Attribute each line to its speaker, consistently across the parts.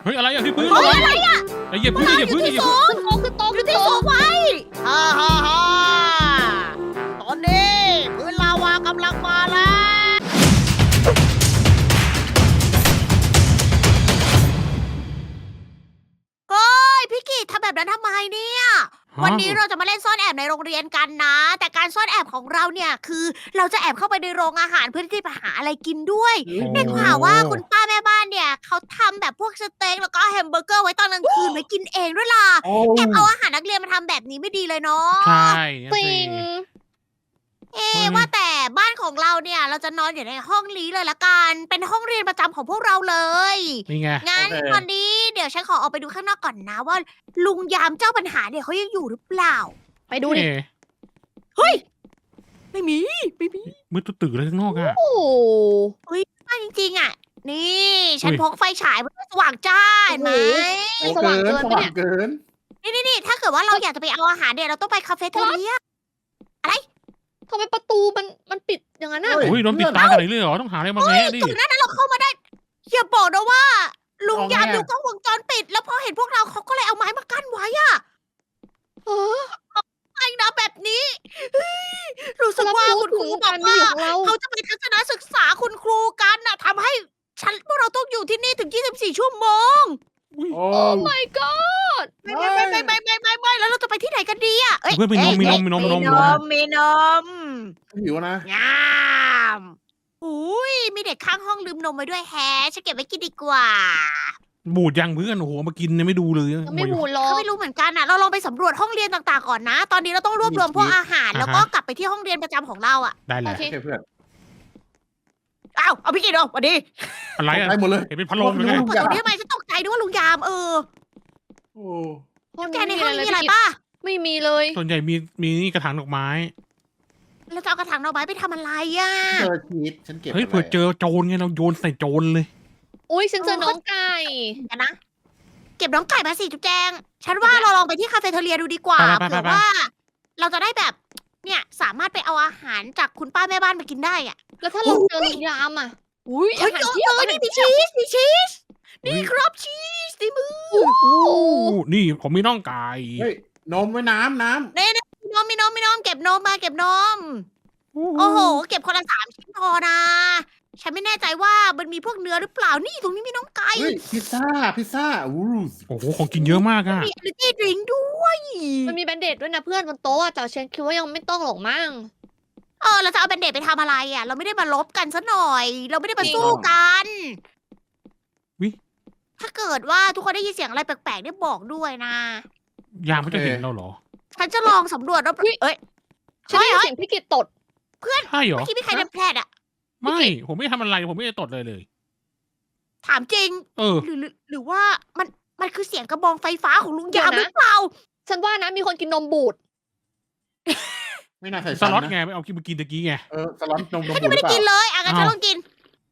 Speaker 1: เฮ้ยอะไรอ่ะที่พื้น
Speaker 2: เฮ้ยอะไรอ่ะ
Speaker 1: ไอ้เหยียบพื้นเหยียบพื้นเหยียบพื้น
Speaker 2: ขึ้นโต๊ะขึ้นโต๊ะไว้ฮ่าฮ่าฮ่าตอนนี้พื้นลาวากำลังมาแล้วเฮ้ยพี่กิตทำแบบนั้นทำไมเนี่ยวันนี้เราจะมาเล่นซ่อนแอบในโรงเรียนกันนะ แต่การซ่อนแอบของเราเนี่ยคือเราจะแอบเข้าไปในโรงอาหารเพื่อที่จะหาอะไรกินด้วยได้ข่าวว่าคุณป้าแม่บ้านเนี่ยเขาทำแบบพวกสเต็กแล้วก็แฮมเบอร์เกอร์ไว้ตอนกลางคืนไว้กินเองด้วยล่ะ
Speaker 3: โอ้
Speaker 2: แอบเอาอาหารนักเรียนมาทำแบบนี้ไม่ดีเลยเนาะ
Speaker 1: ใช่
Speaker 4: จริง
Speaker 2: ว่าแต่บ้านของเราเนี่ยเราจะนอนอยู่ในห้องนี้เลยละกัน เป็นห้องเรียนประจำของพวกเราเลย
Speaker 1: นี่ไง
Speaker 2: งั้นตอนนี้เดี๋ยวฉันขอออกไปดูข้างนอกก่อนนะว่า ลุงยามเจ้าปัญหาเนี่ยเขายังอยู่หรือเปล่า
Speaker 4: ไปดูดิ
Speaker 2: เฮ้ย ไม่มี
Speaker 1: มืดตื่นเลยข้างนอกอ่ะ
Speaker 4: โอ้โห
Speaker 2: บ้านจริงๆอ่ะ นี่ฉัน
Speaker 1: อุ้ย
Speaker 2: พกไฟฉายเพื่อสว่างจ้าเห็นไหม
Speaker 3: โหสว่างเกินสว่างเกิน
Speaker 2: นี่ถ้าเกิดว่าเราอยากจะไปเอาอาหารเนี่ยเราต้องไปคาเฟ่เทเลีย
Speaker 4: ทำไมประตูมันปิดอย่างนั้นอ่ะ
Speaker 3: เฮ้
Speaker 1: โอ้ยโดนปิดตากันเลยเหรอต้องหาอะไรมาแงะดิ
Speaker 2: ก่อนหน้านั้นเราเข้ามาได้อย่าบอกนะว่า ลุง
Speaker 3: เอาไง
Speaker 2: ยาม
Speaker 3: อะ
Speaker 2: ดูกล้องวงจรปิด แล้วพอเห็นพวกเราเขาก็เลยเอาไม้มากั้นไว้อะ
Speaker 4: เออ
Speaker 2: ไอ้นะแบบนี้เฮ้ยรู้สึกว่าคุณครูบ
Speaker 4: กา
Speaker 2: อก
Speaker 4: รมี
Speaker 2: ว่า
Speaker 4: ของเรา
Speaker 2: เขาจะไปทัศนศึกษาคุณครูกันน่ะทำให้พวกเราต้องอยู่ที่นี่ถึง 24 ชั่วโมง
Speaker 3: โอ้
Speaker 4: โอ้ my god
Speaker 2: ไม่แล้วเราจะไปที่ไหนกันดีอะเอ้ย
Speaker 1: เพื่อนมีนมมีนมมีนมมีนม
Speaker 2: มีนม
Speaker 3: หิวนะ
Speaker 2: งามอุ้ยมีเด็กข้างห้องลืมนมไว้ด้วยแฮะฉันเก็บไว้กินดีกว่า
Speaker 1: บูดยังเพื่อนโอ้โหเอามากินเนี่ยไม่ดูเลย
Speaker 4: ยังไม่บูดหรอ
Speaker 2: เขา
Speaker 4: ก
Speaker 2: ไม่รู้เหมือนกันนะเราลองไปสำรวจห้องเรียนต่างๆก่อนนะ ตอนนี้เราต้องรวบรวมพวกอาหาร แล้วก็กลับไปที่ห้องเรียนประจำของเราอ่ะ
Speaker 1: ได้แหละ
Speaker 4: โอเค
Speaker 3: โอเคเพื่อน
Speaker 2: อ้าวเอาพี่กินเอาสวัสดี
Speaker 1: อะไรอ่ะ
Speaker 3: ได้หมดเลย
Speaker 1: เห็นเป็นพัดลมเลยไง
Speaker 2: เปิดตรงนี้ทำไมฉันตกใจด้วยว่าลุงยาม
Speaker 3: โอ้
Speaker 2: แกในห้องนี้มี
Speaker 4: พี่
Speaker 2: อะไร
Speaker 4: กิต
Speaker 2: ป่ะ
Speaker 4: ไม่มีเลย
Speaker 1: ส่วนใหญ่มีนี่กระถางดอกไม้
Speaker 2: เราจะเอากระถางดอกไม้ไปทำอะไรอ่ะ
Speaker 3: เจอชีสฉันเก็บ
Speaker 1: เฮ้ยเผื่อเจอโจรไงเราโยนใส่โจรเลย
Speaker 4: อุ้ยฉันเจอน้องไก่
Speaker 2: กันนะ เก็บน้องไก่มาสิจุ๊บแจง ฉันว่าเราลองไปที่คาเฟ่เทเลียดูดีกว่า
Speaker 1: ไปๆๆๆ
Speaker 2: เผื่อว่า เราจะได้แบบ เนี่ยสามารถไปเอาอาหารจากคุณป้าแม่บ้านมากินได้อ่ะ
Speaker 4: แล้วถ้าเราเจอลุงยามอ่ะอุ้ย
Speaker 2: เฮ้
Speaker 4: อาย หาร
Speaker 2: เจอ
Speaker 4: เพียบ
Speaker 2: นี่มีชีสมีชีสนี่ครับชีสในมือ
Speaker 4: โอ้โห
Speaker 1: นี่ผมมีน่องไก่
Speaker 3: เฮ้ยนมไว้น้ำ
Speaker 2: มีนมเก็บนมมาเก็บนม โอ้โห เก็บคนละ3 ชิ้นพอนะ ฉันไม่แน่ใจว่ามันมีพวกเนื้อหรือเปล่า นี่ตรงนี้มีน้องไก่
Speaker 3: เฮ้ยพิซซ่าอู้
Speaker 1: โอ้โหของกินเยอะมากอ่ะ
Speaker 2: มี energy drink ด้วย
Speaker 4: มันมีแบนเดดด้วยนะเพื่อนบนโต๊ะอะแต่ฉันคิดว่ายังไม่ต้องหรอกมั้ง
Speaker 2: เราจะเอาแบนเดดไปทำอะไรอ่ะ เราไม่ได้มาลบกันซะหน่อย เราไม่ได้มาสู้กัน
Speaker 1: วิ
Speaker 2: ถ้าเกิดว่าทุกคนได้ยินเสียงอะไรแปลกๆเนี่ยบอกด้วยนะ
Speaker 1: ยามเขาจะเห็นเราเหรอ
Speaker 2: ฉันจะลองสำรวจรอบเอ้ย
Speaker 4: ฉันได้ยินเสียงพี่กิตตด
Speaker 1: ใช่เหรอ
Speaker 2: เมื่อกี้มีใครเดินแพลดอ่ะ
Speaker 1: ไม่ผมไม่ทำอะไรผมไม่ได้ตดเลย
Speaker 2: ถามจริง
Speaker 1: เออ
Speaker 2: หรือว่ามันคือเสียงกระบองไฟฟ้าของลุงยามหรือเปล่า
Speaker 4: ฉันว่านะมีคนกินนมบูด
Speaker 3: ไม่น่าใส่
Speaker 1: สล็อตไงไปเอากินมากินตะกี้ไง
Speaker 3: สล็อตนม
Speaker 2: ฉันยังไม่ได้กินเลยงั้นฉัน
Speaker 1: อ้าว
Speaker 2: ลองกิน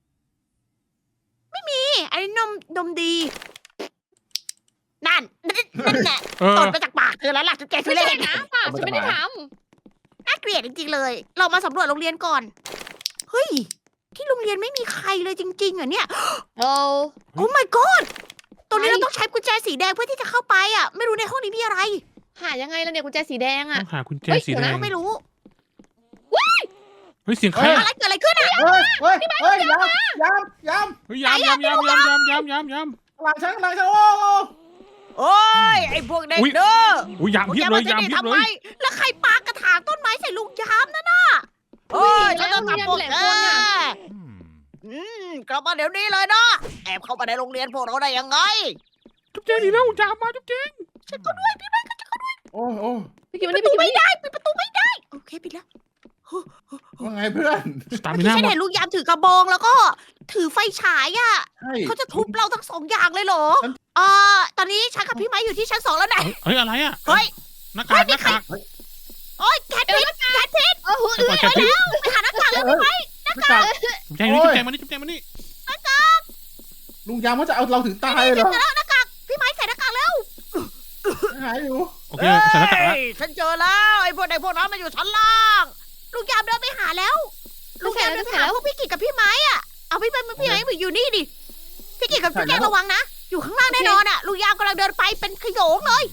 Speaker 2: ไม่มี อันนี้นมดี นั่นแหละ
Speaker 1: เออ
Speaker 2: ตดมาจากปากเธอแล้วล่ะจุ๊บแกทุ
Speaker 4: ไม่
Speaker 2: เร
Speaker 4: ใช่
Speaker 2: ศ
Speaker 4: นะป่ะฉันไม่ได้ท
Speaker 2: น่าเกลียดจริงๆเลย เรามาสำรวจโรงเรียนก่อน เฮ้ย ที่โรงเรียนไม่มีใครเลยจริงๆเหรอเนี่ย
Speaker 4: ำเรา
Speaker 2: โอ้ my god ตรงนี้
Speaker 4: ไม่
Speaker 2: เราต้องใช้กุญแจสีแดงเพื่อที่จะเข้าไปอ่ะ ไม่รู้ในห้องนี้มีอะไร
Speaker 4: หายังไงล่ะเนี่ยกุญแจสีแดง
Speaker 1: ต้
Speaker 4: อ่ะ
Speaker 1: องหากุญแจ
Speaker 4: เฮ้ย
Speaker 1: สี
Speaker 4: เดี๋ยว
Speaker 1: แด
Speaker 4: นะ
Speaker 1: ง
Speaker 2: ไม่รู้
Speaker 1: เฮ้ยเสียงใคร
Speaker 2: อะไรเกิดอะไรขึ้นอ่ะ
Speaker 3: เฮ้ยยำ
Speaker 1: เฮ้ยยาม
Speaker 3: หลังฉันโอ้
Speaker 2: โอ้ย ไอ้พวกเด็กเด้อ
Speaker 1: อุ้ยยามเพียบเลยยามเพียบเลย
Speaker 2: แล้วใครปากระถางต้นไม้ใส่ลุงยามนั่นน่ะโอ้ยฉันต้องทำพวกแกกลับมาเดี๋ยวนี้เลยนะ แอบเข้ามาในโรงเรียนพวกเราได้ยังไง
Speaker 1: จุ๊บเจ๊ดีแล้วยามมาจุ๊บเจ๊
Speaker 2: ฉันก็ด้วยพี่
Speaker 3: โอ้
Speaker 4: พี่กิต
Speaker 2: ป
Speaker 4: มัน
Speaker 2: ระ
Speaker 4: นี่
Speaker 2: ตู
Speaker 4: พี่กิต
Speaker 2: ไม่ได้ปิดประตูไม่ได้ โอเคปิดแล้ว
Speaker 3: ว่าไงเพื่อน
Speaker 1: สตาร์
Speaker 2: เมื่
Speaker 1: มิ
Speaker 2: อกี้
Speaker 1: น่า
Speaker 2: ฉัน
Speaker 1: หมด
Speaker 2: เห็นลุงยามถือกระบองแล้วก็ถือไฟฉายอ่ะ
Speaker 3: ใช่
Speaker 2: เขาจะทุบเราทั้ง2 อย่างเลยเหรอ ตอนนี้ฉันกับพี่ไม้อยู่ที่ชั้น 2แล้วนะ
Speaker 1: เฮ้ยอะไรอ่ะ
Speaker 2: เฮ้ย
Speaker 1: หน้ากากหน้ากาก
Speaker 2: โอ้ยแคทพิษ
Speaker 4: เออ
Speaker 1: ไปก่อนแกพิษ
Speaker 2: ไปหาหน้ากากแล้วพี่ไม้
Speaker 3: ไม่กล้า
Speaker 1: จุ๊บแจ๊นี่จุ๊บแจ๊มานี่จุ๊บแจ๊มานี่
Speaker 3: ลุงยามเขาจะเอาเราถึงตายเหรอ
Speaker 2: หน้ากากพี่ไม้ใส่หน้ากากแล้ว
Speaker 3: หายอยู่
Speaker 1: โอเคใส่หน้ากากแล้ว
Speaker 2: ฉันเจอแล้วไอ้พวกนั้นมันอยู่ชั้นล่าง ลุงยามเดินไปหาแล้ว ลุงยามเดินไปหาพวกพี่กิจกับพี่ไม้อะเอาพี่ไม้อยู่นี่ดิ พี่กิจกับพี่แกระวังนะอยู่ข้างล่างแน่นอนอ่ะลุงยามกำลังเดินไปเป็นขโยงเลย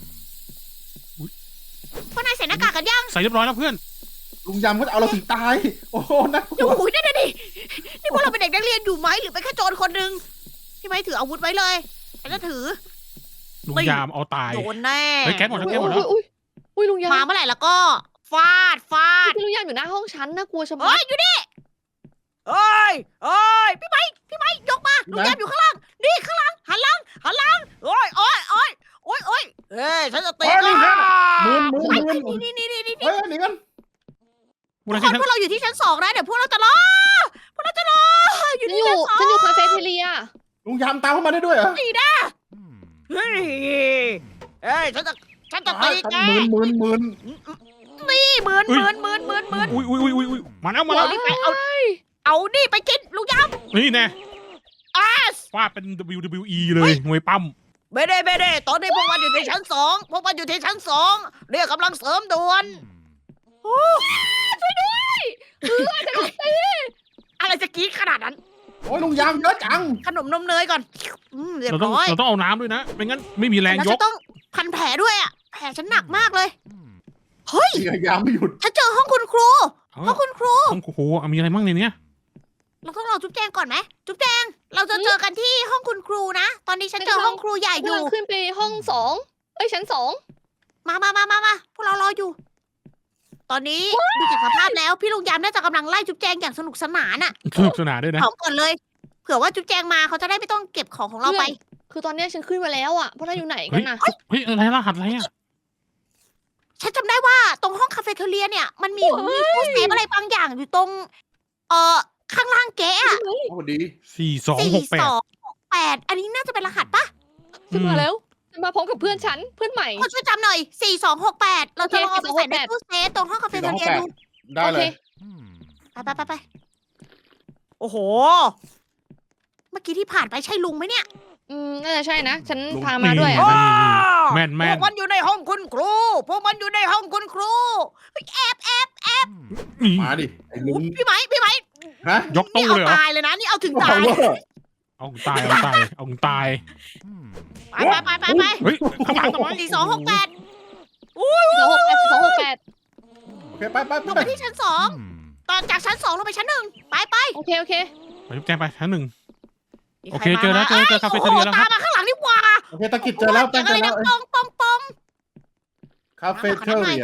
Speaker 2: พวกนายใส่หน้ากากกันยัง
Speaker 1: ใส่เรียบร้อยแล้วเพื่อน
Speaker 3: ลุงยามเขาจะเอาเราถึงตาย โอ้โหน่ากลั
Speaker 2: โอ้
Speaker 3: ว
Speaker 2: โหนั่นน่ะดินี่พวกเราเป็นเด็กนักเรียนอยู่ไหมหรือเป็นแค่โจรคนหนึ่งพี่ไม้ถืออาวุธไว้เลยฉันจะถือ
Speaker 1: ลุงยามเอาตาย
Speaker 2: โดนแน่
Speaker 1: เฮ้ยแก๊สหมดแล้วแก๊สหมดแล้ว
Speaker 4: อุ้ยลุงยาม
Speaker 2: มาเมื่อไหร่แล้วก็ฟาด
Speaker 4: พี่ลุงยามอยู่หน้าห้องฉันน่ากลัวชะมั
Speaker 2: เฮ้
Speaker 4: ด
Speaker 2: ยอยู่นี่เฮ้ยพี่ไม้ยกมาลุงยามอยู่ข้างล่างนี่ข้างล่างหันหลังโอ้ยเฮ้ยฉันจะตี
Speaker 3: เฮ้ย
Speaker 2: ก็
Speaker 3: นี่มืน
Speaker 2: นี่
Speaker 3: เฮ้ยหนีกัน
Speaker 1: มูล
Speaker 2: ทุก
Speaker 1: นิ ธิ
Speaker 2: คนพวกเราอยู่ที่ชั้น2นะเดี๋ยวพวกเราจะรออยู่
Speaker 4: ฉัน
Speaker 2: ที่
Speaker 4: อยู่
Speaker 2: ชั้น
Speaker 4: ฉันอยู่คาเฟ่เทเลีย
Speaker 3: ลุงยามตามเข้ามาได้ด้วยเหรอ
Speaker 2: 2นี่นะเฮ้ยฉันจะตีแก
Speaker 3: มืน
Speaker 2: นี่เหมือน
Speaker 1: อุ้ยมาแล้วมา
Speaker 2: เอา
Speaker 1: แล้ว
Speaker 2: นี่ไปเอานี่ไปกินลุงยาม
Speaker 1: นี่แน่
Speaker 2: ส
Speaker 1: ฟาดเป็น WWE เลยมวยปั้ม
Speaker 2: ไม่ได้ตอนนี้พวกมันอยู่ที่ชั้น2เรียกกำลังเสริมด่วนช่วยด้วยอะไรจะกรี๊ดขนาดนั้น
Speaker 3: โอ้ยลุงยามเยอะจัง
Speaker 2: ขนมนมเนยก่อนเรียบ
Speaker 1: เราต้อง
Speaker 2: ร้อย
Speaker 1: เราต้องเอาน้ำด้วยนะไม่งั้นไม่มีแรง
Speaker 2: แล้ว
Speaker 1: ย
Speaker 2: จะ
Speaker 1: ก
Speaker 2: ต้องพันแผลด้วยอ่ะแผลฉันหนักมากเลยเฮ้ย
Speaker 3: ยามไม่หยุด
Speaker 2: ฉันเจอห้องคุณครู
Speaker 1: เออ
Speaker 2: ห้องคุณครู
Speaker 1: โอ้โหมีอะไรบ้างในเนี้ย
Speaker 2: เราต้องรอจุ๊บแจงก่อนไหมจุ๊บแจงเราจะเจอกันที่ห้องคุณครูนะตอนนี้ฉันเจอห้องครูใหญ่อก
Speaker 4: ำลั
Speaker 2: ยู่
Speaker 4: งขึ้นไปห้อง2ชั้น 2
Speaker 2: มาพวกเรารออยู่ ตอนนี้ดูจากสภาพแล้วพี่ลุงยามน่าจะกำลังไล่จุ๊บแจงอย่างสนุกสนานอ่ะ
Speaker 1: สนุกสนานด้วยนะ
Speaker 2: เผาก่อนเลย เผื่อว่าจุ๊บแจงมาเขาจะได้ไม่ต้องเก็บของของเราไป
Speaker 4: คือตอนเนี้ยฉันขึ้นมาแล้วอ่ะพวกนายอยู่ไหนกันน่ะ
Speaker 1: เฮ้ยอะไรรหัสอะไรอ่ะ
Speaker 2: ฉันจำได้ว่าตรงห้องคาเฟ่เทเลียเนี่ยมันมีตู้เซฟอะไรบางอย่างอยู่ตรงข้างล่างเก๊อะ
Speaker 3: โอ้ดี
Speaker 1: 4268
Speaker 2: อันนี้น่าจะเป็นรหัสปะ
Speaker 4: ขึ้นมาแล้วฉันมาพร้อมกับเพื่อนฉันเพื่อนใหม่
Speaker 2: คนช่วยจำหน่อย4268เราจะลองเอาไปใส่ใน
Speaker 4: 4268
Speaker 2: ตู้เซฟตรงห้องคาเฟ่เทเลียดู
Speaker 3: ได้เลย
Speaker 2: ไปโอ้โห เมื่อกี้ที่ผ่านไปใช่ลุงไหมเนี่ย
Speaker 4: น่าจะใช่นะ ฉัน
Speaker 3: ลุง
Speaker 4: พามาด้วย
Speaker 1: นี่
Speaker 4: อ่ะ
Speaker 1: แม่น
Speaker 2: พวกมันอยู่ในห้องคุณครูพวกมันอยู่ในห้องคุณครูแอบ
Speaker 1: นี่
Speaker 3: มาดิไอ้ลุง
Speaker 2: พี่ไหม
Speaker 3: ฮะ
Speaker 1: ยก
Speaker 2: นี่
Speaker 1: ตู้
Speaker 2: เอา
Speaker 1: เลยเหรอ
Speaker 2: ตายเลยนะนี่เอาถึงตาย
Speaker 1: เอาตาย
Speaker 2: ไป
Speaker 1: เฮ้ยข้างหลังทำไม
Speaker 2: 4268
Speaker 4: 268
Speaker 3: โอเคไป
Speaker 2: ลงไปที่ชั้น2ตอนจากชั้น2ลงไปชั้น1ไป
Speaker 4: โอเค
Speaker 1: ไปจุ๊บแจงไปชั้นหนึ่ง
Speaker 2: มี
Speaker 1: โอ
Speaker 2: ใค
Speaker 1: เค
Speaker 2: ร
Speaker 1: เจอแล้ว
Speaker 2: ม
Speaker 1: เจอคาเฟ่เทเลียแล้วครับ
Speaker 2: ตามมาข้างหลังดีกว่า
Speaker 3: โอเคตะกิดเจอแล้ว
Speaker 2: เจออะไรนะปอง
Speaker 3: คาเฟ่เทอร์เรีย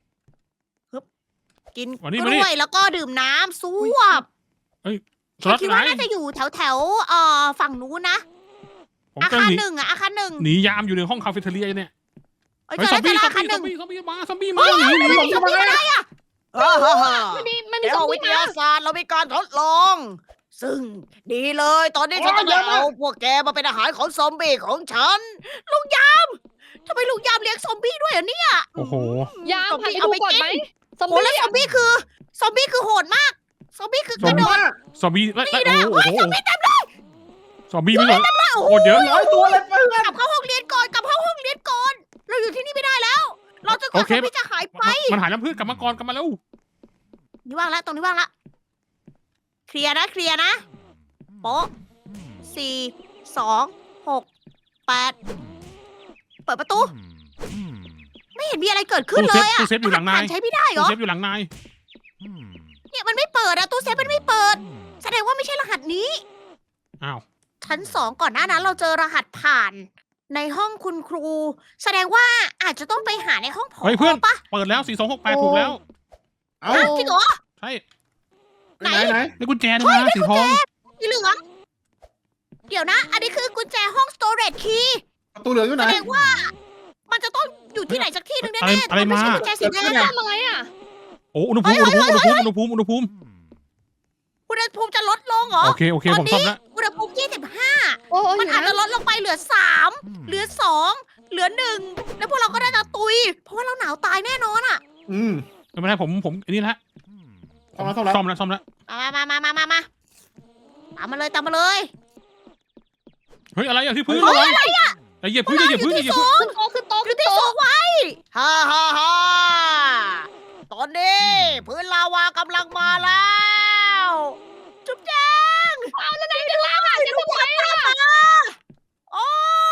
Speaker 2: กิน
Speaker 1: วันนี้
Speaker 2: ก
Speaker 1: วันนี้
Speaker 2: ล้วยแล้วก็ดื่มน้ำซวบ
Speaker 1: สล็อต
Speaker 2: คิด
Speaker 1: ไหน
Speaker 2: ว่าน่าจะอยู่แถวฝั่งนู้นนะ
Speaker 1: ผม
Speaker 2: อา
Speaker 1: ก็
Speaker 2: คาร
Speaker 1: หนี
Speaker 2: หนึ่งอะอาคารหนึ่ง
Speaker 1: หนียามอยู่ในห้องคาเฟ่เทเลียเนี่ย
Speaker 2: เอ้ย
Speaker 1: เฮ้ย
Speaker 2: เจอ
Speaker 1: ซอ
Speaker 2: แล้
Speaker 1: ม
Speaker 2: วเจ
Speaker 1: บี้
Speaker 2: อแล้วอาคารหนึ่ง
Speaker 1: ซอมบี้มาซอมบี้มาหนี
Speaker 2: ซอมบี้มาได้อะ
Speaker 4: มันมี
Speaker 2: ใน
Speaker 4: ส
Speaker 2: ห้
Speaker 4: อ
Speaker 2: อง ง
Speaker 4: วิ
Speaker 2: วิ
Speaker 4: ท
Speaker 2: ท
Speaker 4: ยาย
Speaker 2: าศาสตร์เรามีการทดลอง ซึ่งดีเลย ตอนนี้ฉันจะเอาพวกแกมาเป็นอาหารของซอมบี้ของฉันลุงยามทำไมลุงยามเลี้ยงซอมบี้ด้วยอ่ะเนี่ย
Speaker 1: โอ้โห
Speaker 4: ยามพาไปดูก่อนไหมซอม
Speaker 2: โอ้
Speaker 4: บี้
Speaker 2: แล้วซอมบี้คือโหดมากซอมบี้คือกระโดด
Speaker 1: ซอมบี้และ
Speaker 2: นี่นะ
Speaker 1: โอ้
Speaker 2: เฮ้ย
Speaker 1: โห
Speaker 2: ซอมบี้เต็มเลย
Speaker 1: ซอมบี้ไม่เหรอ
Speaker 2: โอ้
Speaker 1: โคตรเยอะ
Speaker 3: 100 ตัวเลยเพื่อน
Speaker 2: กลับเข้าห้องเรียนก่อนเราอยู่ที่นี่ไม่ได้แล้ว เราจะก
Speaker 1: โอ
Speaker 2: ว่า
Speaker 1: เค
Speaker 2: ซอมบี้จะหายไป
Speaker 1: มันหายแล้วเพื่อนกลับมาก่อนกลับมาแล้ว
Speaker 2: นี่ว่างแล้วตรงนี้ว่างละเคลียร์นะโป๊ะ4 2 6 8เปิดประตู ไม่เห็นมีอะไรเกิดขึ้นเลยอะ
Speaker 1: ตู้เซฟอยู่หลังนาย
Speaker 2: ผ่ใช้ไม่ได้เหร
Speaker 1: ตู้
Speaker 2: อ
Speaker 1: เซฟอยู่หลังนาย
Speaker 2: เนี่ยมันไม่เปิดอะตู้เซฟมันไม่เปิด แสดงว่าไม่ใช่รหัสนี้
Speaker 1: อ้าว
Speaker 2: ชั้น2ก่อนหน้านั้นเราเจอรหัสผ่านในห้องคุณครู แสดงว่าอาจจะต้องไปหาในห้องผอ
Speaker 1: เฮ้ยเพื่อน
Speaker 2: ปะ
Speaker 1: เปิดแล้ว4268ถูกแล้ว
Speaker 3: เอา
Speaker 2: อ่ะจริงเหรอ
Speaker 1: ใช่
Speaker 3: ไหน
Speaker 1: ได้กุญแจด้วยนะสีทอง
Speaker 2: สีเหลืองเดี๋ยวนะ อันนี้คือกุญแจห้อง storage key
Speaker 3: ประตูเหลืองอยู่ไห
Speaker 2: แส
Speaker 3: น
Speaker 2: ดงว่า มันจะต้องอยู่ที่ไหนสักที่หนึ่งแน่ๆ
Speaker 1: อะไร
Speaker 2: แต่ไม่ใช่
Speaker 1: มา
Speaker 2: กุญแจสีแดง
Speaker 4: ทำอะไรอ่ะ
Speaker 1: โอ้อุณหภูมิอุณหภูมิอุณหภูมิอุณหภูมิอุณหภูมิ
Speaker 2: อุณหภูมิจะลดลงเหรอ
Speaker 1: โอเคผมซ่อมแล้ว
Speaker 2: อุณหภูมิ
Speaker 4: โอ้
Speaker 2: 25
Speaker 4: ย
Speaker 2: มันอาจจะลดลงไปเหลือ 3 เหลือ 2 เหลือ 1 แล้วพวกเราก็น่าจะตุย เพราะว่าเราหนาวตายแน่นอนอ่ะ
Speaker 1: ไม่เป็นไรผมอันนี้ละ
Speaker 3: ซ่อมแล้ว
Speaker 1: ซ่อมแล้ว
Speaker 2: มาตามมาเลย
Speaker 1: เฮ้ยอะไรอ่ะที่พื้นระวังอย่าเหยียบพื้นอย่าเหยียบพื้นอย่าเหยียบพื้น
Speaker 4: ขึ้นโต๊ะ
Speaker 2: อยู่ที่โซไว้ฮ่าตอนนี้พื้นลาวากำลังมาแล้ว จุ๊บแจงเอาแล้วไหนจะล่างอ่ะจะทำไมอ่ะโอ้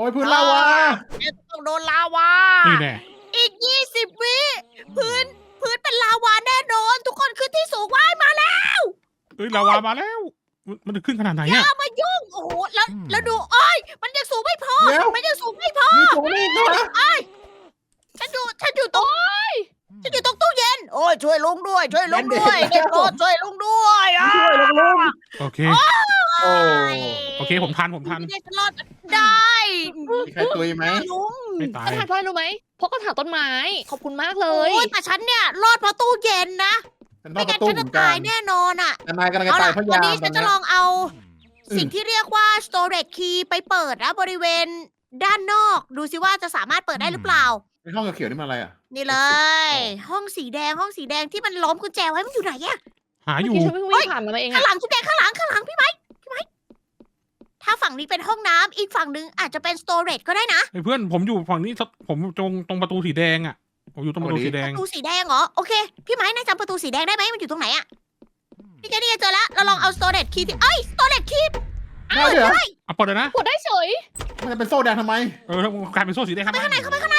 Speaker 3: ยพื้นลาวา
Speaker 2: แกต้องโดนลาวา
Speaker 1: นี่แน่
Speaker 2: อีก 20 วิพื้นเป็นลาวาแน่นอน ทุกคนขึ้นที่สูงไว้มาแล้ว
Speaker 1: เอ้ยลาวามาแล้ว มันจะขึ้นขนาดไหน
Speaker 2: อย่า
Speaker 1: อะ
Speaker 2: มายุ่งโอ้โหแล้วดูอ้อยมันยังสูงไม่พอ
Speaker 3: เดี๋ยว
Speaker 2: มันยังสูงไม่พอ
Speaker 3: มีตัวนี้ด้วยนะ
Speaker 2: ฉันอยู่ตรงตู้เย็น โอ้ยช่วยลุงด้วยช่วยลุงด้วยเด็กโปรดช่วยลุงด้วยอ่ะ
Speaker 3: ช่วยลงลง
Speaker 1: โอเค
Speaker 3: โอ้
Speaker 1: โอเคผมทัน
Speaker 2: ไม่ได้ฉันรอดได้
Speaker 3: มีใครตุยไหม
Speaker 2: ลุง
Speaker 1: ไม่ตาย
Speaker 4: กระถางต้นไม้รู้ไหมเพราะกระถางต้นไม้ ขอบคุณมากเล
Speaker 2: โอ้
Speaker 4: ย
Speaker 2: ยแต่ฉันเนี่ยรอดเพราะตู้เย็นนะ
Speaker 3: ฉันร
Speaker 2: ไม่
Speaker 3: อดประ
Speaker 2: งั้น
Speaker 3: ตู
Speaker 2: ฉัน
Speaker 3: เหมื
Speaker 2: จะ
Speaker 3: อนกั
Speaker 2: ตาย
Speaker 3: น
Speaker 2: แน่นอนอ่ะ
Speaker 3: แต่นายกำลังจะ
Speaker 2: เอา
Speaker 3: ตา
Speaker 2: ล่ะ
Speaker 3: ยเพราะ
Speaker 2: วัน
Speaker 3: ยาม
Speaker 2: นี้
Speaker 3: ต
Speaker 2: ฉั
Speaker 3: อน
Speaker 2: นจะ
Speaker 3: เนี้ย
Speaker 2: ลองเอา
Speaker 3: อืม
Speaker 2: สิ่งที่เรียกว่า storage key ไปเปิดนะบริเวณด้านนอก ดูสิว่าจะสามารถเปิดได้หรือเปล่า
Speaker 3: ในห้องเขียวๆนี่มันอะไรอ่ะ
Speaker 2: นี่เลย ห้องสีแดงที่มันล้อมกุญแจไว้มันอยู่ไหนอะ
Speaker 1: หาอ
Speaker 4: เมื่
Speaker 1: ยู่
Speaker 4: อกี้ฉันเพิ่งวิ่งผ่านมาเอง
Speaker 2: ข้าง
Speaker 4: อะ
Speaker 2: หลังจุ๊บแดงข้างหลังพี่ไม้ถ้าฝั่งนี้เป็นห้องน้ำอีกฝั่งนึงอาจจะเป็น storage ก็ได้นะ
Speaker 1: ไอ้เพื่อนผมอยู่ฝั่งนี้ผมตรงประตูสีแดงอะผมอยู่ตรงประตูสีแด
Speaker 2: ป
Speaker 1: ง
Speaker 2: ระตูสีแดงเหรอโอเคพี่ไม้นายจำประตูสีแดงได้ไหมมันอยู่ตรงไหนอะนี่ไงเจอแล้วเราลองเอา storage key ที่storage key
Speaker 3: ได้เหรอ
Speaker 1: เอาเปิดเลยนะ
Speaker 4: กดได้เฉย
Speaker 3: มันจะเป็นโซ่แดงทำไม
Speaker 1: กลายเป็นโซ่สีแดงทำไม
Speaker 2: ข้างใน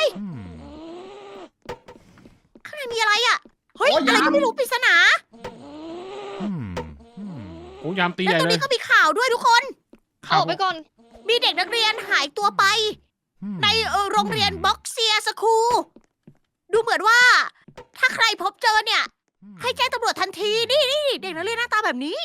Speaker 2: มีอะไรอะเฮ้ย
Speaker 3: โอ้ย
Speaker 2: อะไร
Speaker 3: ยาม
Speaker 2: ก็ไม่รู้ปริศนา
Speaker 1: โอ้ยามตีให
Speaker 2: แล้ว
Speaker 1: ญ่
Speaker 2: ตรง
Speaker 1: เลย
Speaker 2: นี้ก็มีข่าวด้วยทุกคน
Speaker 4: เอาออกไปก่อน
Speaker 2: มีเด็กนักเรียนหายตัวไป ในโรงเรียนบ็อกเซียสคูลดูเหมือนว่า ถ้าใครพบเจอเนี่ย ให้แจ้งตำรวจทันทีนี่เด็กนักเรียนหน้าตาแบบนี้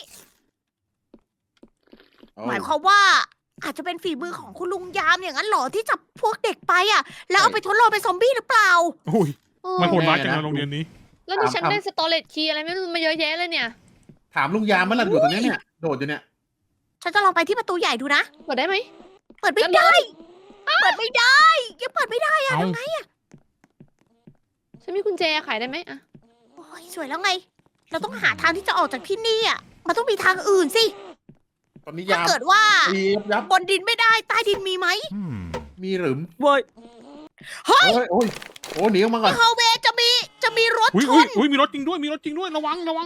Speaker 2: หมายความว่า อาจจะเป็นฝีมือของคุณลุงยามอย่างนั้นเหรอที่จับพวกเด็กไปอ่ะ แล้วเอาไปทดลองเป็นซอมบี้หรือเปล่า
Speaker 1: โอ้ย
Speaker 4: เออ
Speaker 1: มันโหดร้ายจังเลยโรงเรียนนี้
Speaker 4: แล้วดิฉันได้สตอเรจคีย์อะไรไม่รู้มาเยอะแยะเลยเนี่ย
Speaker 3: ถามลุงยามเมื่อไหร่อยู่ตรงเนี้ยเนี่ยโดดอยู่เนี่ย
Speaker 2: ฉันจะลองไปที่ประตูใหญ่ดูนะ
Speaker 4: กดได้ไหม
Speaker 2: เปิดไม่ได้เปิดไม่ได้ยังเปิดไม่ได้อะ
Speaker 1: เอา
Speaker 2: ทำไงอะ
Speaker 4: ฉันมีกุญแจขายได้ไหมอะ
Speaker 2: โอ้ยสวยแล้วไง เราต้องหาทางที่จะออกจากที่นี่อ่ะมันต้องมีทางอื่นสิ
Speaker 3: ตอนนี้
Speaker 2: ถ้าย
Speaker 3: าม
Speaker 2: เกิดว่า
Speaker 3: ตียับบ
Speaker 2: นดินไม่ได้ใต้ดินมีไหม
Speaker 3: มีหรือ
Speaker 2: เว้ยเฮ้ย
Speaker 3: โอ้ยหนีออกมาก่อน
Speaker 2: ฮอลเวย์จะมีรถ
Speaker 1: อุ้ย
Speaker 2: ช
Speaker 1: อุ้ย
Speaker 2: น
Speaker 1: อุ้ยมีรถจริงด้วยระวัง
Speaker 2: ระวัง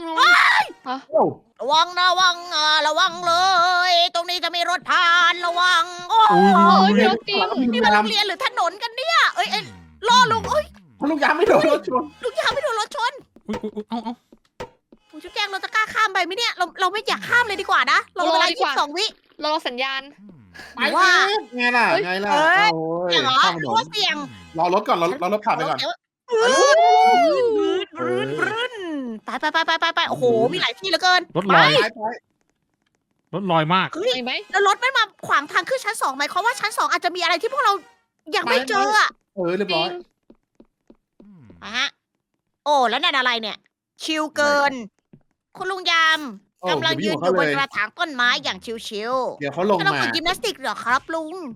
Speaker 2: เลย ตรงนี้จะมีรถผ่านระวังโอ้
Speaker 1: อุ้ย
Speaker 4: โอ้ย
Speaker 1: อุ้ย
Speaker 4: รถจริง
Speaker 2: นี่มันโรงเรียนหรือถนนกันเนี่ยเอ้ยล่อลุงเอ้ย
Speaker 3: ลุงยามไม่โดนรถชน
Speaker 2: ลุงยามไม่โดนรถชน
Speaker 1: อุ้ยเอา
Speaker 2: ผมจะแจ้งเราจะกล้าข้ามไปไหมเนี่ยเราไม่อยากข้ามเลยดีกว่านะเราเวลา 22 วิ
Speaker 4: รอสัญญาณ
Speaker 3: ไปว่าไงล่ะโอ้ย
Speaker 2: เสี่ยงเหรอ
Speaker 3: ข้ามถ
Speaker 2: ห
Speaker 3: น
Speaker 2: รือว่าน เสี่ยง
Speaker 3: รอรถก่อนรอรถผ่านไปก่อน
Speaker 2: บรื้นไปโอ้โหมีหลายที่เหลือเกิน
Speaker 1: รถลอย
Speaker 3: ไป
Speaker 1: รถลอยมาก
Speaker 2: เฮ้ย
Speaker 4: เห็นไหม
Speaker 2: แล้วรถมันมาขวางทางขึ้นชั้น 2หมายความว่าชั้น 2อาจจะมีอะไรที่พวกเรายังไม่เจออะ
Speaker 3: เรียบร้อย
Speaker 2: อะฮะโอ้แล้วนั่นอะไรเนี่ย ชิลเกิน คุณลุงยามกำลังยืนอยู่บนกระถางต้นไม้อย่างชิว
Speaker 3: เดี๋ยวเขาลง
Speaker 2: ๆกำลัง
Speaker 3: มา
Speaker 2: ฝึกยิมนาสติกเหรอครับลุง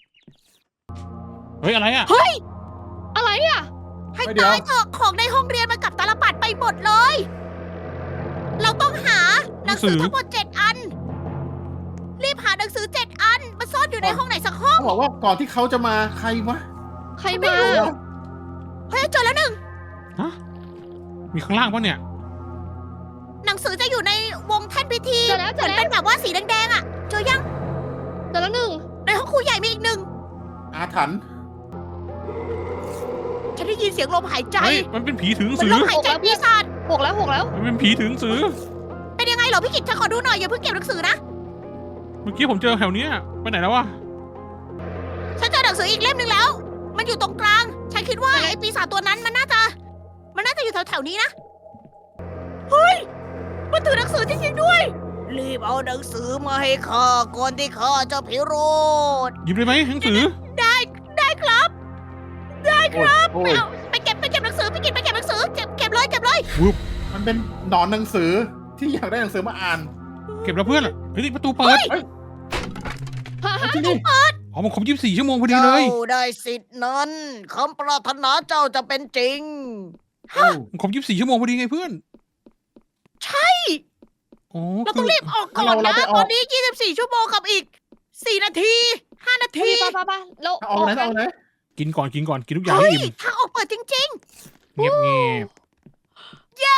Speaker 1: เฮ้ยอะไรอะ
Speaker 4: อะไรอะ
Speaker 2: ให้ตายเถอะของในห้องเรียนมันกลับตาลปัดไปหมดเลย เราต้องหาหนังสือทั้งหมด7 อัน รีบหาหนังสือ7 อันมาซ่อนอยู่ในห้องไหนสักห้อง
Speaker 3: เขาบอกว่าก่อนที่เขาจะมาใครวะ
Speaker 4: ใคร
Speaker 2: ไม่
Speaker 4: มา
Speaker 2: รู้ เฮ้ยเจอแล้วหนึ่ง
Speaker 1: มีข้างล่างปะเนี่ย
Speaker 2: หนังสือจะอยู่ในวงแท่นพิธี
Speaker 4: เจอแล้ว
Speaker 2: เหมือนเป็นแบบว่าสีแดงๆอ่ะเจอยัง
Speaker 4: เจอแล้วหนึ่ง
Speaker 2: ในห้องครูใหญ่มีอีกหนึ่ง
Speaker 3: อาถรรพ์
Speaker 2: ฉันได้ยินเสียงลมหายใจ
Speaker 1: เฮ้ยมันเป็นผีถือหนัง
Speaker 2: มัน
Speaker 1: สื
Speaker 2: ล
Speaker 1: อ
Speaker 2: มหายใจปีศาจ
Speaker 4: หกแล้ว
Speaker 1: มันเป็นผีถือหนังสือ
Speaker 2: เป็นยังไงเหรอพี่กิตฉันขอดูหน่อยอย่าเพิ่งเก็บหนังสือนะ
Speaker 1: เมื่อกี้ผมเจอแถวเนี้ยไปไหนแล้ววะ
Speaker 2: ฉันเจอหนังสืออีกเล่มหนึ่งแล้ว มันอยู่ตรงกลาง ฉันคิดว่าไอ้ปีศาจตัวนั้นมันน่าจะอยู่แถวๆนี้นะ เฮ้ย มันถือหนังสือจริงๆด้วย รีบเอาหนังสือมาให้ข้าก่อนที่ข้าจะพิโรธ
Speaker 1: หยิบเลยไหมหนังสือ
Speaker 2: ได้ครับ
Speaker 3: โอ้ย
Speaker 2: เอาไปเก็บหนังสือพี่กิตไปเก็บหนังสือเก็บเลย
Speaker 3: มันเป็นหนอนหนังสือที่อยากได้หนังสือมาอ่าน
Speaker 1: เก็บแล้วเพื่อนอะเฮ้ยนี่ประตูเปิด
Speaker 3: ที่นี่
Speaker 1: อ๋อมันครบ24 ชั่วโมงพอดีเลย
Speaker 2: เจ้าได้สิทธิ์นั้นคำปรารถนาเจ้าจะเป็นจริง
Speaker 1: มันครบ24 ชั่วโมงพอดีไงเพื่อน
Speaker 2: ใช่
Speaker 1: อ๋อ
Speaker 2: เราต้องรีบออกก่อนนะตอนนี้24 ชั่วโมงกับอีก 4 นาที 5 นาที
Speaker 4: ป้าเรา
Speaker 3: เอาไหนเอาไหน
Speaker 1: กินก่อนกินทุกอย่าง
Speaker 2: เฮ้
Speaker 1: ให้
Speaker 2: ย
Speaker 1: อิ่ม
Speaker 2: ทางออกเปิดจริง
Speaker 1: เงียบ
Speaker 2: ๆ เย้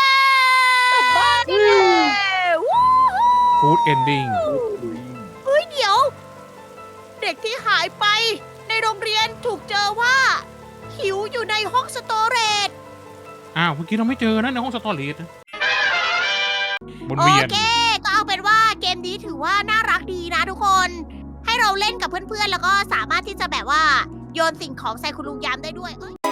Speaker 2: วู้
Speaker 1: ๆ Good ending
Speaker 2: เฮ้ยเดี๋ยว เด็กที่หายไปในโรงเรียนถูกเจอว่า หิวอยู่ในห้องสโตเรจ
Speaker 1: อ้าวเมื่อกี้เราไม่เจอนะในห้องสตอเรจนะบน
Speaker 2: โอ
Speaker 1: เวียน
Speaker 2: เค ก็เอาเป็นว่าเกมนี้ถือว่าน่ารักดีนะทุกคน ให้เราเล่นกับเพื่อนๆ แล้วก็สามารถที่จะแบบว่าโยนสิ่งของใส่คุณลุงยามได้ด้วย